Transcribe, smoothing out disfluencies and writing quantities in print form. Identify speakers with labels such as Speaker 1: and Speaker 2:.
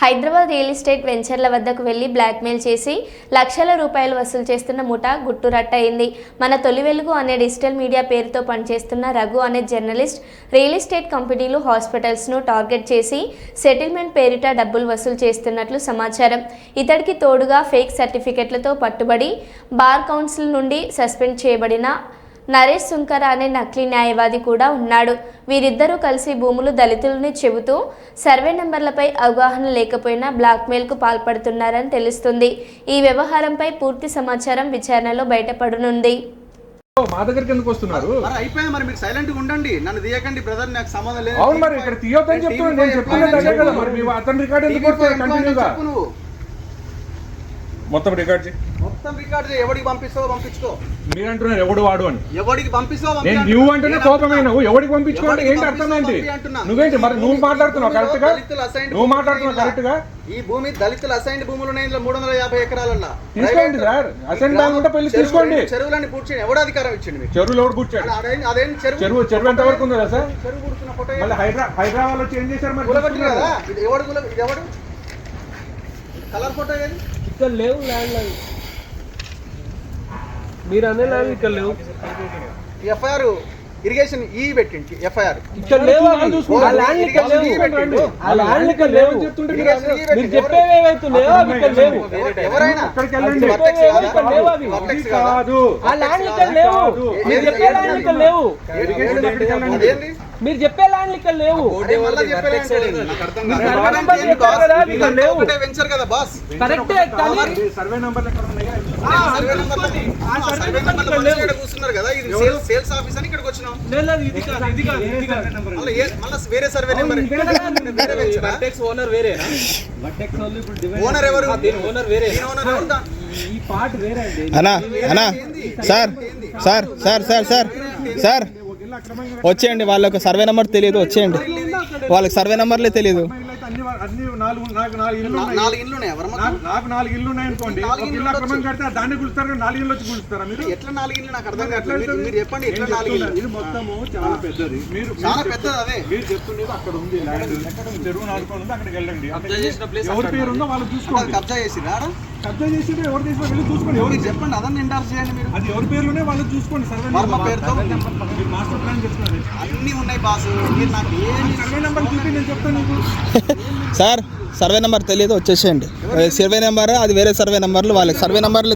Speaker 1: Hyderabad real estate వెంచర్ల వద్దకు వెళ్లి blackmail చేసి లక్షల రూపాయలు వసూలు చేస్తున్న ముఠా గుట్టురట్టయింది. మన తొలి వెలుగు అనే డిజిటల్ మీడియా పేరుతో పనిచేస్తున్న రఘు అనే జర్నలిస్ట్ రియల్ ఎస్టేట్ కంపెనీలు, హాస్పిటల్స్ను టార్గెట్ చేసి సెటిల్మెంట్ పేరిట డబ్బులు వసూలు చేస్తున్నట్లు సమాచారం. ఇతడికి తోడుగా ఫేక్ సర్టిఫికెట్లతో పట్టుబడి బార్ కౌన్సిల్ నుండి సస్పెండ్ చేయబడిన నరేష్ సుంకర అనే నకిలీ న్యాయవాది కూడా ఉన్నాడు. వీరిద్దరూ కలిసి భూములు దళితులని చెబుతూ సర్వే నెంబర్లపై అవగాహన లేకపోయినా బ్లాక్మెయిల్కు పాల్పడుతున్నారని తెలుస్తుంది. ఈ వ్యవహారంపై పూర్తి సమాచారం విచారణలో బయటపడనుంది.
Speaker 2: మా దగ్గరికి ఎందుకు వస్తున్నారు?
Speaker 3: అయిపోయింది మరి, మీరు సైలెంట్ గా ఉండండి, నన్ను తీయకండి బ్రదర్, నాకు సంబంధం లేదు.
Speaker 2: అవును మరి ఇక్కడ తీయొద్దని చెప్తున్నాను, నేను చెప్తున్నాను కదా. మరి మీ అతని రికార్డ్ ఎందుకు వస్తుంది కంటిన్యూగా? మొత్తం రికార్డ్ చేయి,
Speaker 3: మొత్తం రికార్డ్ చేయి. ఎవడికి పంపిస్తావో పంపించుకో.
Speaker 2: మీరు అంటున్నారు ఎవడు వాడు అని.
Speaker 3: ఎవడికి పంపిస్తావో
Speaker 2: నేను నువ్వు అంటేనే కోపమైన, ఎవడికి పంపించుకోవాలి ఏంటి అర్థం ఏంటి? నువ్వేంటి మరి నువ్వు మాట్లాడుతున్నావు కరెక్ట్ గా? నువ్వు మాట్లాడుతున్నావు కరెక్ట్ గా?
Speaker 3: ఈ భూమి దళితులు అసైన్డ్ భూములు ఉన్నాయి, 350 ఎకరాలన్నా
Speaker 2: తీసుకోండి సార్. అసైన్ బ్యాంక్ ఉంటే పెళ్లి తీసుకోండి.
Speaker 3: చెరువులన్నీ పూడ్చి ఎవడు అధికారం ఇచ్చింది మీకు?
Speaker 2: చెరువులు ఎవడు పూడ్చాడు?
Speaker 3: అదేం
Speaker 2: చెరువు ఎంత వరకు ఉందా సార్?
Speaker 3: చెరువు పూడుతున్న ఫోటో
Speaker 2: మళ్ళీ హైదరాబాద్ లో చేంజ్ చేశారు మరి.
Speaker 3: ఇది ఎవడు కలర్ ఫోటో ఏది?
Speaker 4: ఇక్కడ లేవు ల్యాండ్ అవి, మీరు అనే ల్యాండ్ ఇక్కడ లేవు.
Speaker 3: ఎఫ్ఐఆర్ ఇరిగేషన్ ఈ పెట్టింది ఎఫ్ఐఆర్
Speaker 4: ఇక్కడ లేవు. ఆ ల్యాండ్ ఇక్కడ లేవు, ఆ ల్యాండ్ ఇక్కడ లేవు. మీరు చెప్పేవి ఏవైతున్నాయో అవి ఇక్కడ లేవు.
Speaker 3: ఎవరైనా
Speaker 4: ఇక్కడ లేవు అవి. ఆ ల్యాండ్ ఇక్కడ లేవు. మీరు చెప్పే ల్యాండ్ ఇక్కడ లేవు. మీరు చెప్పే ల్యాండ్ ఇక్కడ లేవు. కరెక్టే కానీ
Speaker 2: సర్వే నెంబర్
Speaker 3: కూర్చున్నారు కదా, ఇది సేల్స్ ఆఫీస్ అని ఇక్కడికి వచ్చినాం. వేరే సర్వే నెంబర్ ఓనర్ ఎవరు?
Speaker 4: ఓనర్ వేరే. ఈ పార్ట్ వేరే అండి.
Speaker 5: అన్నా అన్నా sir sir sir sir sir sir వచ్చేయండి. వాళ్ళకి సర్వే నెంబర్ తెలియదు, వచ్చేయండి. వాళ్ళకి సర్వే నెంబర్లే తెలియదు.
Speaker 3: నాలుగు ఇల్లు ఉన్నాయి.
Speaker 2: నాకు 4 ఇల్లు ఉన్నాయి అనుకోండి, ఇల్లు అక్రమం కడితే దాన్ని గులుస్తారు, 4 ఇల్లు వచ్చి గులుస్తారా మీరు?
Speaker 3: ఎట్లా 4 ఇల్లు నాకు అర్థం కావట్లేదు. మీరు చెప్పండి ఎట్లా 4 ఇల్లు?
Speaker 2: ఇది మొత్తము చాలా పెద్దది. మీరు
Speaker 3: చాలా పెద్దది. అదే
Speaker 2: మీరు చెప్తుండేది అక్కడ ఉంది ల్యాండ్, చెరువు నాలుగు ఉంది, అక్కడికి వెళ్ళండి. ఎవరి పేరు ఉందో వాళ్ళు చూసుకోండి.
Speaker 3: కబ్జా చేసిరా?
Speaker 2: కబ్జా చేసి ఎవరు చేసినా వెళ్ళి చూసుకోండి. ఎవరు
Speaker 3: చెప్పండి, అదన్నీ ఎండార్స్ చేయండి మీరు.
Speaker 2: అది ఎవరి పేర్లోనే వాళ్ళు చూసుకోండి. సర్వే
Speaker 3: పేరుతో
Speaker 2: మాస్టర్ ప్లాన్ చెప్తున్నారు,
Speaker 3: అన్ని ఉన్నాయి బాస్. మీరు నాకు
Speaker 2: సర్వే నెంబర్ చూపి నేను చెప్తాను నీకు.
Speaker 5: సార్ సర్వే నెంబర్ తెలియదు, వచ్చేసేయండి. సర్వే నెంబర్ అది వేరే సర్వే నెంబర్లు, వాళ్ళకి సర్వే నెంబర్లు